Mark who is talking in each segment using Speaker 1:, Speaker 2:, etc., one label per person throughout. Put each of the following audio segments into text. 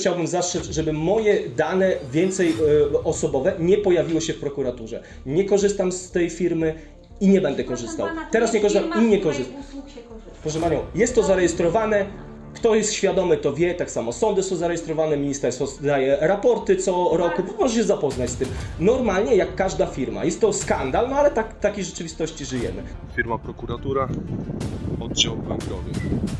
Speaker 1: Chciałbym zastrzec, żeby moje dane więcej osobowe nie pojawiło się w prokuraturze. Nie korzystam z tej firmy i nie będę korzystał. Teraz nie korzystam i nie korzystam. Proszę Panią, jest to zarejestrowane. Kto jest świadomy, to wie, tak samo sądy są zarejestrowane, ministerstwo daje raporty co roku, może się zapoznać z tym. Normalnie jak każda firma. Jest to skandal, no ale takiej rzeczywistości żyjemy.
Speaker 2: Firma prokuratura, oddział w Węgrowie.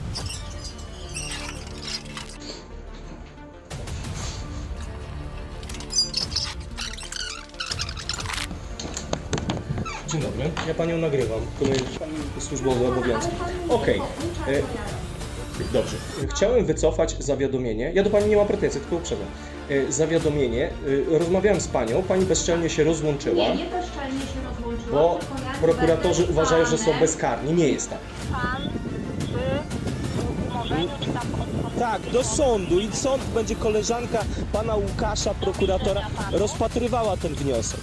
Speaker 1: Dzień dobry, ja Panią nagrywam. Służbowe obowiązki. Okej. Dobrze. Chciałem wycofać zawiadomienie. Ja do Pani nie mam pretensji, tylko uprzedzam. Zawiadomienie. Rozmawiałem z Panią, Pani bezczelnie się rozłączyła.
Speaker 3: Nie bezczelnie się rozłączyła.
Speaker 1: Bo prokuratorzy uważają, że są bezkarni. Nie jest tak.
Speaker 4: Pan przy umorzeniu czy tam
Speaker 1: Tak, do sądu i sąd będzie koleżanka Pana Łukasza, prokuratora, rozpatrywała ten wniosek.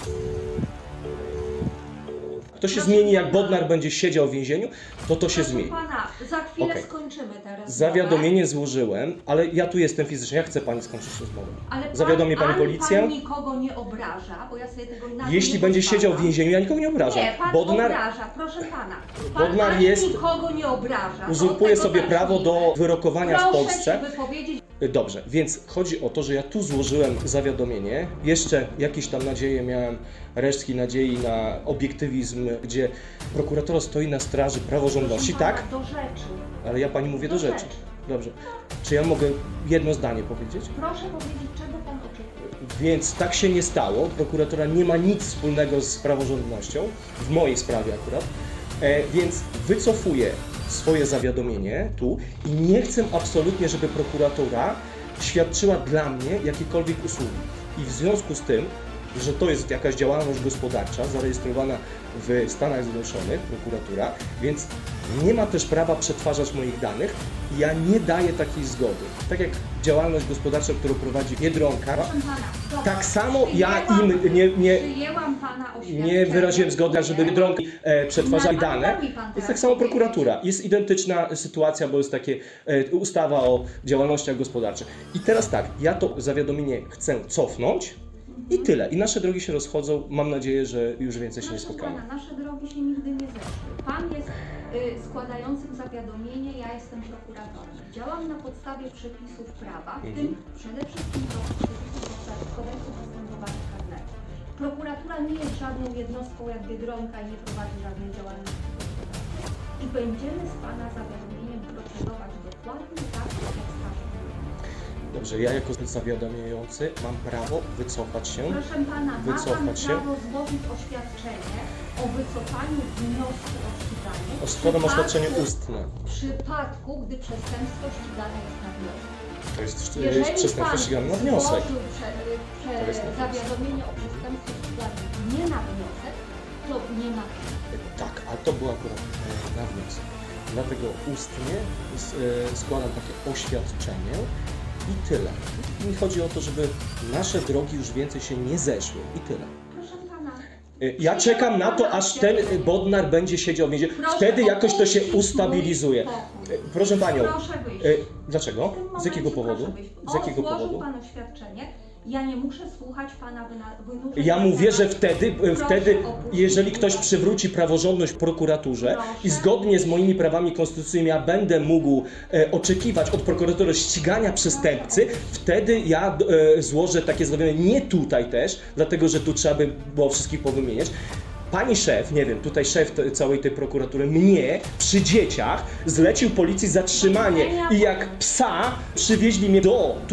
Speaker 1: To się zmieni, jak Bodnar będzie siedział w więzieniu, to się zmieni.
Speaker 3: Pana, za chwilę
Speaker 1: Okej.
Speaker 3: skończymy teraz.
Speaker 1: Zawiadomienie złożyłem, ale ja tu jestem fizycznie, ja chcę Pani skończyć rozmowę.
Speaker 3: Ale
Speaker 1: Zawiadomi Pani policję?
Speaker 3: Pan nikogo nie obraża, bo ja sobie tego inaczej
Speaker 1: Jeśli
Speaker 3: nie
Speaker 1: będzie
Speaker 3: pozwalam.
Speaker 1: siedział w więzieniu, ja nikogo nie obrażam.
Speaker 3: Nie, Pan obraża, proszę Pana. Pan
Speaker 1: Bodnar
Speaker 3: ani
Speaker 1: jest-
Speaker 3: nikogo nie obraża.
Speaker 1: Uzurpuje
Speaker 3: Od tego
Speaker 1: sobie prawo do
Speaker 3: zacznijmy.
Speaker 1: wyrokowania w Polsce.
Speaker 3: Proszę się wypowiedzieć.
Speaker 1: Dobrze, więc chodzi o to, że ja tu złożyłem zawiadomienie. Jeszcze jakieś tam nadzieje miałem, resztki nadziei na obiektywizm, gdzie prokurator stoi na straży praworządności,
Speaker 3: Proszę pana,
Speaker 1: tak?
Speaker 3: Do rzeczy.
Speaker 1: Ale ja Pani mówię do
Speaker 3: Do
Speaker 1: rzeczy.
Speaker 3: rzeczy.
Speaker 1: Dobrze. Czy ja mogę jedno zdanie powiedzieć?
Speaker 3: Proszę powiedzieć, czego Pan oczekuje.
Speaker 1: Więc tak się nie stało. Prokuratura nie ma nic wspólnego z praworządnością, w mojej sprawie akurat, więc wycofuję swoje zawiadomienie tu i nie chcę absolutnie, żeby prokuratura świadczyła dla mnie jakiekolwiek usługi. I w związku z tym, że to jest jakaś działalność gospodarcza zarejestrowana w Stanach Zjednoczonych, prokuratura, więc nie ma też prawa przetwarzać moich danych i ja nie daję takiej zgody. Tak jak działalność gospodarcza, którą prowadzi Biedronka,
Speaker 3: Proszę Pana, dobra.
Speaker 1: tak samo ja
Speaker 3: Przyjęłam-
Speaker 1: im
Speaker 3: Przyjęłam Pana oświadczenie.
Speaker 1: nie wyraziłem zgody, żeby Biedronki przetwarzali
Speaker 3: Na-
Speaker 1: dane.
Speaker 3: mi pan
Speaker 1: Jest
Speaker 3: teraz
Speaker 1: tak samo
Speaker 3: powiedzieć.
Speaker 1: prokuratura. Jest identyczna sytuacja, bo jest takie ustawa o działalnościach gospodarczych. I teraz tak, ja to zawiadomienie chcę cofnąć i tyle. I nasze drogi się rozchodzą. Mam nadzieję, że już więcej się nie
Speaker 3: Proszę
Speaker 1: spotkamy.
Speaker 3: Pana, nasze drogi się nigdy nie zeszły. Pan jest składającym zawiadomienie, ja jestem prokuratorem. Działam na podstawie przepisów prawa, w tym przede wszystkim przepisów kodeksu postępowania karnego. Prokuratura nie jest żadną jednostką jak Biedronka i nie prowadzi żadnej działalności gospodarczej. I będziemy z Pana zawiadomieniem procedować dokładnie tak, jak wskaże.
Speaker 1: Dobrze, ja jako zawiadamiający mam prawo wycofać się.
Speaker 3: Proszę Pana, ma Pan
Speaker 1: Wycofać się.
Speaker 3: prawo złożyć oświadczenie o wycofaniu wniosku o ściganie.
Speaker 1: Składam
Speaker 3: w
Speaker 1: oświadczenie
Speaker 3: przypadku-
Speaker 1: ustne.
Speaker 3: W przypadku, gdy przestępstwo ścigane jest na wniosek.
Speaker 1: To jest
Speaker 3: Jeżeli
Speaker 1: przestępstwo
Speaker 3: Pan
Speaker 1: ścigane na wniosek.
Speaker 3: złożył
Speaker 1: To jest na wniosek.
Speaker 3: zawiadomienie o przestępstwie ściganym nie na wniosek, to nie ma.
Speaker 1: Tak, ale to było akurat na wniosek. Dlatego ustnie składam takie oświadczenie i tyle. Mi chodzi o to, żeby nasze drogi już więcej się nie zeszły i tyle.
Speaker 3: Proszę Pana.
Speaker 1: Ja czekam na to, aż ten Bodnar będzie siedział w więzieniu.
Speaker 3: Proszę
Speaker 1: Wtedy jakoś to się
Speaker 3: opuścić mój
Speaker 1: ustabilizuje.
Speaker 3: pokój.
Speaker 1: Proszę Panią,
Speaker 3: Proszę wyjść.
Speaker 1: dlaczego?
Speaker 3: W tym
Speaker 1: Z jakiego
Speaker 3: momencie
Speaker 1: powodu?
Speaker 3: proszę wyjść.
Speaker 1: Z jakiego
Speaker 3: Złożył
Speaker 1: powodu?
Speaker 3: Pan oświadczenie. Ja nie muszę słuchać Pana wynurzeń.
Speaker 1: Ja mówię, że wtedy,
Speaker 3: opuścić
Speaker 1: jeżeli ktoś
Speaker 3: biuro.
Speaker 1: przywróci praworządność prokuraturze
Speaker 3: Proszę.
Speaker 1: i zgodnie z moimi prawami konstytucyjnymi ja będę mógł oczekiwać od prokuratury ścigania przestępcy, wtedy ja złożę takie zawiadomienie, nie tutaj też, dlatego że tu trzeba by było wszystkich powymieniać. Pani szef, nie wiem, tutaj szef całej tej prokuratury, mnie przy dzieciach zlecił policji zatrzymanie i jak psa przywieźli mnie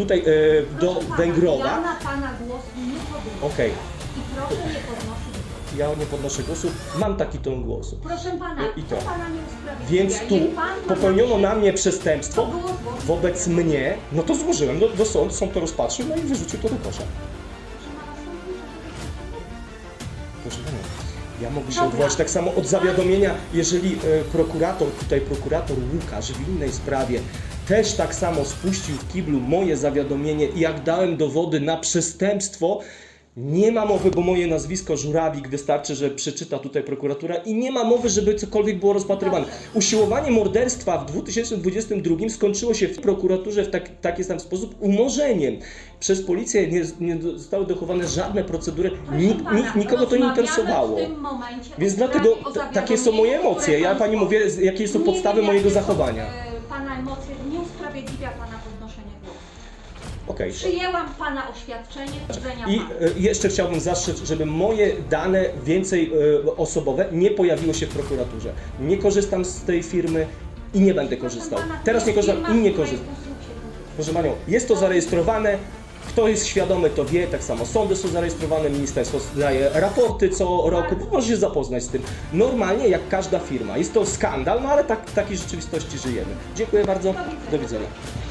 Speaker 1: do
Speaker 3: Proszę pana,
Speaker 1: Węgrowa.
Speaker 3: Ja na Pana głos nie podnoszę.
Speaker 1: Okej.
Speaker 3: I proszę nie podnosić głosu.
Speaker 1: Ja nie podnoszę głosu, mam taki ton głosu.
Speaker 3: Proszę Pana,
Speaker 1: I to.
Speaker 3: to Pana nie usprawiedliwia.
Speaker 1: Więc tu
Speaker 3: Niech pan ma
Speaker 1: popełniono
Speaker 3: zaszczyt-
Speaker 1: na mnie przestępstwo
Speaker 3: To było złożone.
Speaker 1: wobec mnie, no to złożyłem do sądu, sąd to rozpatrzył, no i wyrzucił to do kosza. Proszę Panią, ja mogę się
Speaker 3: Dobra.
Speaker 1: odwołać tak samo od zawiadomienia, jeżeli prokurator Łukasz w innej sprawie też tak samo spuścił w kiblu moje zawiadomienie i jak dałem dowody na przestępstwo, Nie ma mowy, bo moje nazwisko Żurabik wystarczy, że przeczyta tutaj prokuratura i nie ma mowy, żeby cokolwiek było rozpatrywane. Usiłowanie morderstwa w 2022 skończyło się w prokuraturze w taki sam sposób umorzeniem. Przez policję nie zostały dochowane żadne procedury, nikogo to nie interesowało.
Speaker 3: W tym momencie
Speaker 1: Więc
Speaker 3: o
Speaker 1: dlatego
Speaker 3: sprawie o
Speaker 1: takie są moje
Speaker 3: zawiadomieniu,
Speaker 1: emocje.
Speaker 3: które
Speaker 1: Ja
Speaker 3: pan
Speaker 1: pani
Speaker 3: złożył.
Speaker 1: mówię, jakie są
Speaker 3: Nie
Speaker 1: podstawy
Speaker 3: wiem,
Speaker 1: mojego
Speaker 3: jakie są,
Speaker 1: zachowania.
Speaker 3: Pana emocje nie usprawiedliwia pana podnoszenie głosu.
Speaker 1: Okej.
Speaker 3: Przyjęłam pana oświadczenie, widzenia
Speaker 1: I
Speaker 3: pana.
Speaker 1: jeszcze chciałbym zastrzec, żeby moje dane więcej osobowe nie pojawiło się w prokuraturze. Nie korzystam z tej firmy i nie będę korzystał. Teraz nie korzystam i nie korzystam. Proszę Panią, jest to zarejestrowane. Kto jest świadomy, to wie, tak samo sądy są zarejestrowane, ministerstwo daje raporty co roku, może się zapoznać z tym. Normalnie, jak każda firma. Jest to skandal, no ale w takiej rzeczywistości żyjemy. Dziękuję bardzo, do widzenia.